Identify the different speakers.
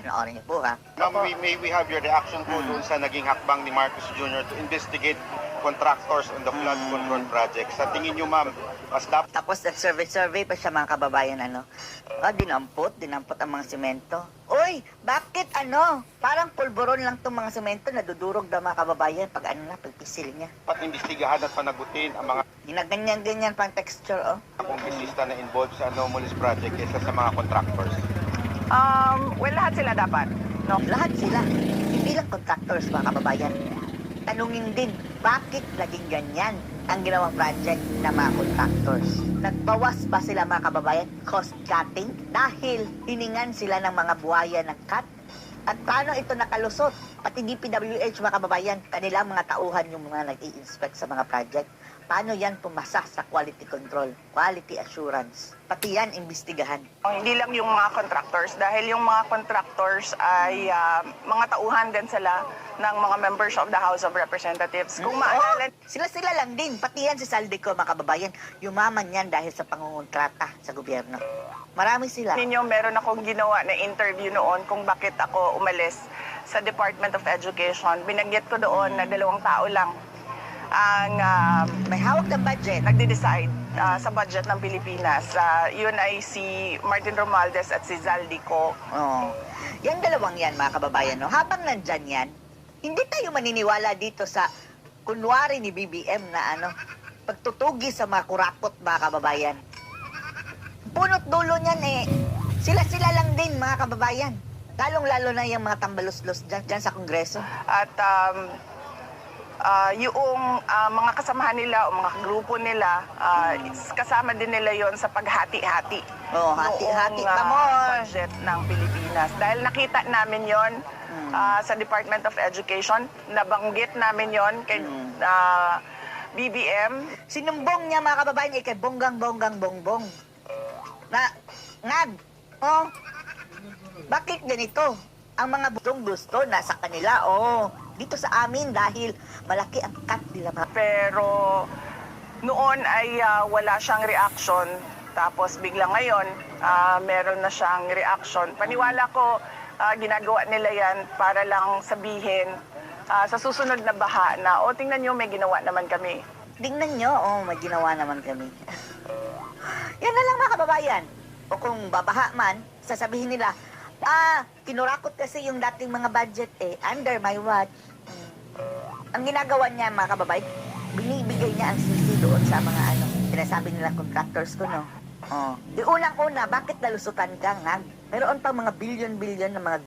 Speaker 1: Panoorin niyo po, ha?
Speaker 2: Ma'am, may we have your reaction po doon sa naging hakbang ni Marcos Jr. to investigate contractors on the flood control project. Sa tingin niyo, ma'am, mas dapat
Speaker 1: Tapos nag-survey pa siya, mga kababayan, ano? Dinampot ang mga semento. Uy, bakit parang pulburon lang itong mga semento, nadudurog daw mga kababayan pag pagpisil niya.
Speaker 2: imbestigahan at panagutin ang mga
Speaker 1: Ginaganyan-ganyan pang texture,
Speaker 2: kongresista na involved sa anomalous project kaysa sa mga contractors.
Speaker 3: Well, lahat sila dapat. No?
Speaker 1: Lahat sila. Hindi lang contractors, mga kababayan. Tanungin din, bakit naging ganyan ang ginawang project ng mga contractors? Nagbawas ba sila, mga kababayan, cost cutting? Dahil hiningan sila ng mga buhaya ng cut? At paano ito nakalusot? Pati DPWH, mga kababayan, kanilang mga tauhan yung mga nag-i-inspect sa mga project. Paano yan pumasa sa quality control, quality assurance? Pati yan, imbestigahan.
Speaker 3: Hindi lang yung mga contractors dahil yung mga contractors ay mga tauhan din sila ng mga members of the House of Representatives. Kung maalala,
Speaker 1: Sila lang din. Pati yan si Saldico, mga kababayan. Yumaman yan dahil sa pangungontrata sa gobyerno. Marami sila.
Speaker 3: ninyo, meron akong ginawa na interview noon kung bakit ako umalis sa Department of Education. Binagyat ko doon na 2 tao lang ang
Speaker 1: May hawak ng budget.
Speaker 3: nagde-decide sa budget ng Pilipinas. Yun ay si Martin Romualdez at si Zaldico.
Speaker 1: Oh. Yan dalawang yan, mga kababayan, no? Habang nandyan yan, hindi tayo maniniwala dito sa kunwari ni BBM na pagtutugi sa mga kurapot, mga kababayan. Punot dulo niyan sila lang din, mga kababayan. Lalong-lalo na yung mga tambalos-los dyan sa Kongreso.
Speaker 3: At yung mga kasamahan nila o mga grupo nila, kasama din nila yon sa paghati-hati.
Speaker 1: Oh, hati-hati.
Speaker 3: noong,
Speaker 1: Come on!
Speaker 3: budget ng Pilipinas. Dahil nakita namin yon sa Department of Education, nabanggit namin yon kay BBM.
Speaker 1: Sinumbong niya, mga kababayan, kay bonggang-bongbong. Bakit ganito? Ang mga gusto nasa kanila, dito sa amin dahil malaki ang cut nila.
Speaker 3: Pero noon ay wala siyang reaction. Tapos bigla ngayon, meron na siyang reaction. Paniwala ko, ginagawa nila yan para lang sabihin sa susunod na baha na, tingnan nyo, may ginawa naman kami.
Speaker 1: Tingnan nyo, may ginawa naman kami. Yan na lang, mga kababayan. O kung babaha man, sasabihin nila, kinurakot kasi yung dating mga budget under my watch. Ang ginagawa niya, mga kababayan, binibigay niya ang sisi doon sa mga sinasabi nila contractors ko, no? Unang-una, bakit nalusutan ka, nga? Meron pa mga billion-billion na mga